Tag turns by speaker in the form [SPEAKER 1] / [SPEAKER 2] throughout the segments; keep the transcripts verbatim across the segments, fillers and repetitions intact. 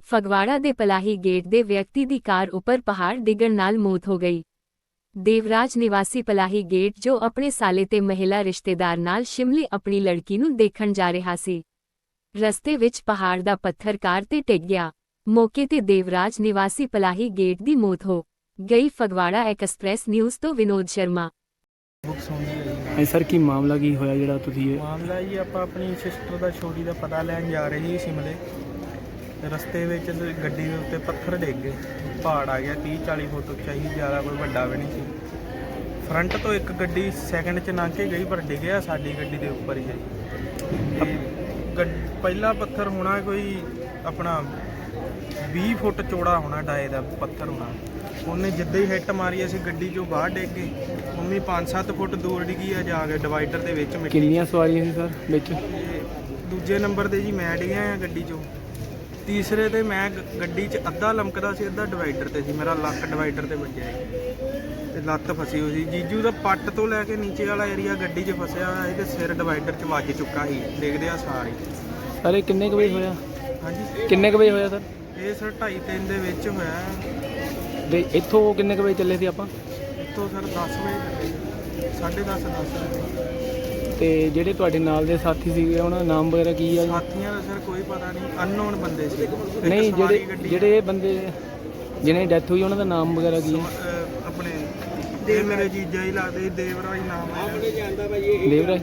[SPEAKER 1] ਫਗਵਾੜਾ ਦੇ ਪਲਾਹੀ ਗੇਟ ਦੇ ਵਿਅਕਤੀ ਦੀ ਕਾਰ ਉੱਪਰ ਪਹਾੜ ਡਿੱਗਣ ਨਾਲ ਮੌਤ ਹੋ ਗਈ। ਦੇਵਰਾਜ ਨਿਵਾਸੀ ਪਲਾਹੀ ਗੇਟ ਜੋ ਆਪਣੇ ਸਾਲੇ ਤੇ ਮਹਿਲਾ ਰਿਸ਼ਤੇਦਾਰ ਨਾਲ ਸ਼ਿਮਲੇ ਆਪਣੀ ਲੜਕੀ ਨੂੰ ਦੇਖਣ ਜਾ ਰਿਹਾ ਸੀ। ਰਸਤੇ ਵਿੱਚ ਪਹਾੜ ਦਾ ਪੱਥਰ ਕਾਰ ਤੇ ਡਿੱਗ ਗਿਆ। ਮੌਕੇ ਤੇ ਦੇਵਰਾਜ ਨਿਵਾਸੀ ਪਲਾਹੀ ਗੇਟ ਦੀ ਮੌਤ ਹੋ ਗਈ। ਫਗਵਾੜਾ ਐਕਸਪ੍ਰੈਸ ਨਿਊਜ਼ ਤੋਂ ਵਿਨੋਦ ਸ਼ਰਮਾ।
[SPEAKER 2] ਹਾਂ ਸਰ, ਕੀ ਮਾਮਲਾ ਕੀ ਹੋਇਆ ਜਿਹੜਾ ਤੁਸੀਂ ਇਹ
[SPEAKER 3] ਮਾਮਲਾ ਜੀ ਆਪਾਂ ਆਪਣੀ ਸਿਸਟਰ ਦਾ ਛੋਟੀ ਦਾ ਪਤਾ ਲੈਣ ਜਾ ਰਹੇ ਸੀ ਸ਼ਿਮਲੇ। ਰਸਤੇ ਵਿੱਚ ਗੱਡੀ ਦੇ ਉੱਤੇ ਪੱਥਰ ਡਿੱਗ ਗਏ, ਪਹਾੜ ਆ ਗਿਆ ਤੀਹ ਚਾਲੀ ਫੁੱਟ ਉੱਚਾ ਹੀ, ਜ਼ਿਆਦਾ ਕੋਈ ਵੱਡਾ ਵੀ ਨਹੀਂ ਸੀ। ਫਰੰਟ ਤੋਂ ਇੱਕ ਗੱਡੀ ਸੈਕਿੰਡ 'ਚ ਲੰਘ ਕੇ ਗਈ ਪਰ ਡਿੱਗਿਆ ਸਾਡੀ ਗੱਡੀ ਦੇ ਉੱਪਰ ਹੀ ਹੈ। ਤੇ ਪਹਿਲਾ ਪੱਥਰ ਹੋਣਾ ਕੋਈ ਆਪਣਾ ਵੀਹ ਫੁੱਟ ਚੌੜਾ ਹੋਣਾ, ਡਾਏ ਦਾ ਪੱਥਰ ਹੋਣਾ। ਉਹਨੇ ਜਿੱਦਾਂ ਹੀ ਹਿੱਟ ਮਾਰੀ ਅਸੀਂ ਗੱਡੀ 'ਚੋਂ ਬਾਹਰ ਡਿੱਗ ਗਏ। ਮੰਮੀ ਪੰਜ ਸੱਤ ਫੁੱਟ ਦੂਰ ਡਿੱਗੀ ਆ ਜਾ ਕੇ ਡਿਵਾਈਡਰ ਦੇ ਵਿੱਚ।
[SPEAKER 2] ਕਿੰਨੀਆਂ ਸਵਾਰੀਆਂ ਸੀ ਸਰ ਵਿੱਚ?
[SPEAKER 3] ਦੂਜੇ ਨੰਬਰ 'ਤੇ ਜੀ ਮੈਂ ਡਿੱਗਿਆ ਆ ਗੱਡੀ 'ਚੋਂ। ਤੀਸਰੇ 'ਤੇ ਮੈਂ ਗੱਡੀ 'ਚ ਅੱਧਾ ਲਮਕਦਾ ਸੀ, ਅੱਧਾ ਡਿਵਾਈਡਰ 'ਤੇ ਸੀ। ਮੇਰਾ ਲੱਕ ਡਿਵਾਈਡਰ 'ਤੇ ਵੱਜਿਆ ਤੇ ਲੱਤ ਫਸੀ ਹੋਈ ਸੀ। ਜੀਜੂ ਦਾ ਪੱਟ ਤੋਂ ਲੈ ਕੇ ਨੀਚੇ ਵਾਲਾ ਏਰੀਆ ਗੱਡੀ 'ਚ ਫਸਿਆ ਹੋਇਆ ਸੀ ਤੇ ਸਿਰ ਡਿਵਾਈਡਰ 'ਚ ਵੱਜ ਚੁੱਕਾ ਸੀ ਡਿੱਗਦੇ ਆ ਸਾਰੇ।
[SPEAKER 2] ਸਰ ਇਹ ਕਿੰਨੇ ਕੁ ਵਜੇ ਹੋਇਆ?
[SPEAKER 3] ਹਾਂਜੀ,
[SPEAKER 2] ਕਿੰਨੇ ਕੁ ਵਜੇ ਹੋਇਆ ਸਰ?
[SPEAKER 3] ਇਹ ਸਰ ਢਾਈ ਤਿੰਨ ਦੇ ਵਿੱਚ ਹੋਇਆ।
[SPEAKER 2] ਤੇ ਇੱਥੋਂ ਕਿੰਨੇ ਕੁ ਵਜੇ ਚੱਲੇ ਸੀ ਆਪਾਂ?
[SPEAKER 3] ਇੱਥੋਂ ਸਰ ਦਸ ਵਜੇ, ਸਾਢੇ ਦਸ ਦਸ ਵਜੇ।
[SPEAKER 2] ਤੇ ਜਿਹੜੇ ਤੁਹਾਡੇ ਨਾਲ ਦੇ ਸਾਥੀ ਸੀਗੇ ਉਹਨਾਂ ਦਾ ਨਾਮ ਵਗੈਰਾ ਕੀ ਆ?
[SPEAKER 3] ਸਾਥੀਆਂ ਦਾ ਸਰ ਕੋਈ ਪਤਾ ਨਹੀਂ, ਅਨਨੋਨ ਬੰਦੇ ਸੀ।
[SPEAKER 2] ਨਹੀਂ, ਜਿਹੜੇ ਜਿਹੜੇ ਇਹ ਬੰਦੇ ਜਿਹਨੇ ਡੈਥ ਹੋਈ ਉਹਨਾਂ ਦਾ ਨਾਮ ਵਗੈਰਾ ਕੀ ਹੈ?
[SPEAKER 3] ਆਪਣੇ ਦੇ ਮੇਰੇ ਜੀਜਾ ਹੀ ਲੱਗਦੇ, ਦੇਵਰਾਜ ਨਾਮ ਹੈ।
[SPEAKER 2] ਦੇਵਰਾਜ।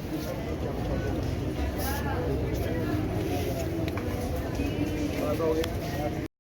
[SPEAKER 3] ਹਾਂਜੀ।